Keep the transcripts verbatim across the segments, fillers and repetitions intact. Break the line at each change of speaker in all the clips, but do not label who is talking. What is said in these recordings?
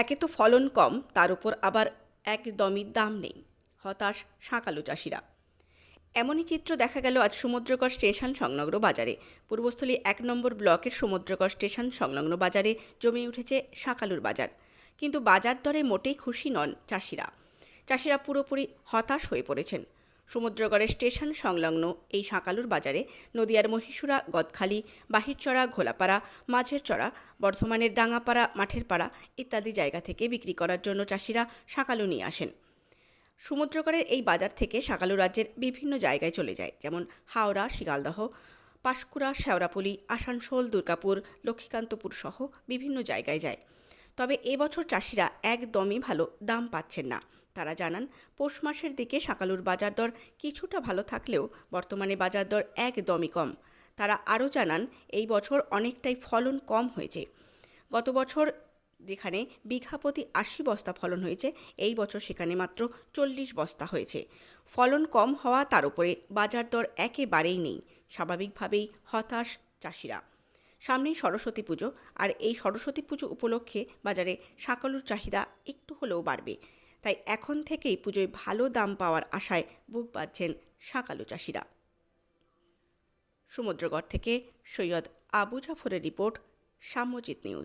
একে তো ফলন কম, তার উপর আবার একদমই দাম নেই। হতাশ শাঁকালু চাষিরা। এমনই চিত্র দেখা গেল আজ সমুদ্রকর স্টেশন সংলগ্ন বাজারে। পূর্বস্থলী এক নম্বর ব্লকের সমুদ্রকর স্টেশন সংলগ্ন বাজারে জমে উঠেছে শাঁকালুর বাজার। কিন্তু বাজার দরে মোটেই খুশি নন চাষিরা। চাষিরা পুরোপুরি হতাশ হয়ে পড়েছেন। সমুদ্রগড়ের স্টেশন সংলগ্ন এই শাঁকালুর বাজারে নদিয়ার মহীশুরা, গদখালি, বাহিরচড়া, ঘোলাপাড়া, মাঝের চড়া, বর্ধমানের ডাঙ্গাপাড়া, মাঠের পাড়া ইত্যাদি জায়গা থেকে বিক্রি করার জন্য চাষিরা শাঁকালু নিয়ে আসেন। সমুদ্রগড়ের এই বাজার থেকে শাঁকালু রাজ্যের বিভিন্ন জায়গায় চলে যায়, যেমন হাওড়া, শিয়ালদহ, পাঁশকুড়া, শেওড়াফুলি, আসানসোল, দুর্গাপুর, লক্ষ্মীকান্তপুর সহ বিভিন্ন জায়গায় যায়। তবে এবছর চাষিরা একদমই ভালো দাম পাচ্ছেন না। তারা জানান, পৌষ মাসের দিকে শাঁকালুর বাজার দর কিছুটা ভালো থাকলেও বর্তমানে বাজার দর একদমই কম। তারা আরও জানান, এই বছর অনেকটাই ফলন কম হয়েছে। গত বছর যেখানে বিঘা প্রতি আশি বস্তা ফলন হয়েছে, এই বছর সেখানে মাত্র চল্লিশ বস্তা হয়েছে। ফলন কম হওয়া, তার উপরে বাজার দর একেবারেই নেই। স্বাভাবিকভাবেই হতাশ চাষিরা। সামনেই সরস্বতী পুজো, আর এই সরস্বতী পুজো উপলক্ষে বাজারে শাঁকালুর চাহিদা একটু হলেও বাড়বে। তাই এখন থেকেই পুজোয় ভালো দাম পাওয়ার আশায় বুক বাঁধছেন শাঁকালু চাষিরা। সমুদ্রগড় থেকে সৈয়দ আবু জাফরের রিপোর্ট, সাম্যজিৎ নিউজ।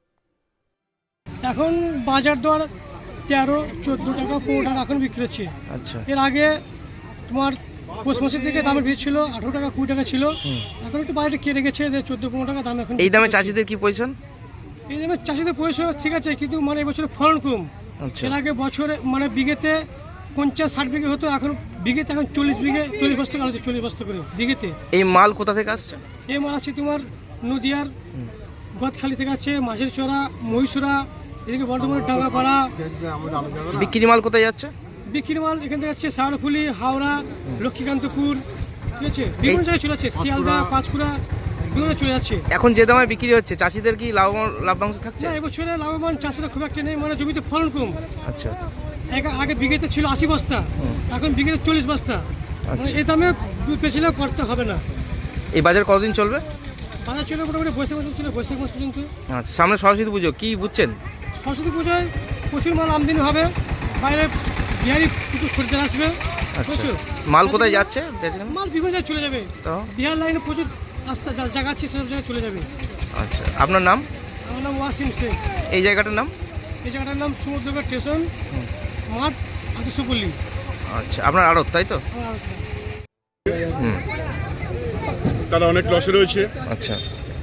এখন বাজার দর তেরো চোদ্দো টাকা পনেরো টাকা এখন বিক্রি হচ্ছে।
আচ্ছা,
এর আগে তোমার পৌষ মাসের দিকে দামের বেশি ছিল, আঠারো টাকা কুড়ি টাকা ছিল। এখন একটু বাইরে কেটে গেছে, চোদ্দো পনেরো টাকা দাম এখন।
এই দামে চাষিদের কি পজিশন?
এই দামে চাষিদের পয়সা ঠিক আছে, কিন্তু মানে এবছর ফলন কম।
আচ্ছা,
এর আগে বছরে মানে বিঘেতে পঞ্চাশ ষাট বিঘে হতো, এখন বিঘেতে এখন চল্লিশ বিঘে চল্লিশ বস্তা করে হচ্ছে, চল্লিশ বস্তা করে বিঘেতে।
এই মাল কোথা থেকে আসছে?
এই মাল আছে তোমার নদিয়ার গদখালি থেকে আছে, মাঝের চড়া, মহীশুরা, এদিকে বর্ধমানের ডাঙ্গাপাড়া।
বিক্রি মাল কোথায় যাচ্ছে?
বিক্রি মাল এখান থেকে যাচ্ছে শেওড়াফুলি, হাওড়া, লক্ষ্মীকান্তপুর, ঠিক আছে, বিভিন্ন জায়গায় চলে যাচ্ছে, শিয়ালদা, পাঁশকুড়া, বিভিন্ন চলে যাচ্ছে।
এখন যে দামে বিক্রি হচ্ছে, চাষিদের কি লাভ লাভবাংশ থাকছে?
না, এবছরে লাভবান চাষিরা খুব একটা নেই, মানে জমিতে ফলন কম।
আচ্ছা,
আগে- আগে বিঘেতে ছিল আশি বস্তা, এখন বিঘেতে চল্লিশ বস্তা। মানে
আচ্ছা।
এই দামে পেছনে করতে হবে না।
এই বাজার কতদিন চলবে?
বাজার চলে মোটামুটি বৈশাখ মাস ছিল, বৈশাখ মাস পর্যন্ত।
আচ্ছা, সামনে সরস্বতী পুজো, কি বুঝছেন?
সরস্বতী পুজোয় প্রচুর মাল আমদানি হবে, বাইরে বিহারি প্রচুর খরিদ্দার আসবে।
আচ্ছা,
বুঝছো?
মাল কোথায় যাচ্ছে বেচেন?
মাল বিভিন্ন জায়গায় চলে যাবে,
তো
বিহার লাইনে প্রচুর রাস্তা যা- জায়গা আছে, সেসব জায়গায় চলে যাবে।
আচ্ছা, আপনার নাম?
আমার নাম ওয়াসিম শেখ।
এই জায়গাটার নাম?
এই জায়গাটার নাম সমুদ্রগড় স্টেশন মাঠ, আদর্শপল্লী।
আচ্ছা, আপনার আড়ত তাই তো?
আমার
হুম,
তারা অনেক লসে রয়েছে।
আচ্ছা,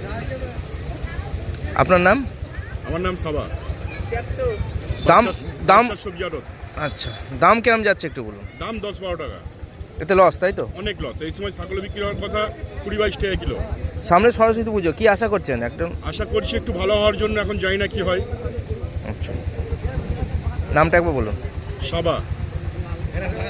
আপনার নাম?
আমার নাম সাবা।
দাম দাম
বাদশাহ সবজি আড়ত।
আচ্ছা, দাম কেমন যাচ্ছে একটু বলুন।
দাম দশ বারো টাকা,
এতে লস তাই তো?
অনেক লস। এই সময় ছাগল বিক্রি হওয়ার কথা কুড়ি বাইশ টাকা কিলো।
সামনে সরস্বতী পুজো, কি আশা করছেন? একদম
আশা করছি একটু ভালো হওয়ার জন্য, এখন জানি না কি হয়।
আচ্ছা, নামটা একবার বলুন।
সাবা।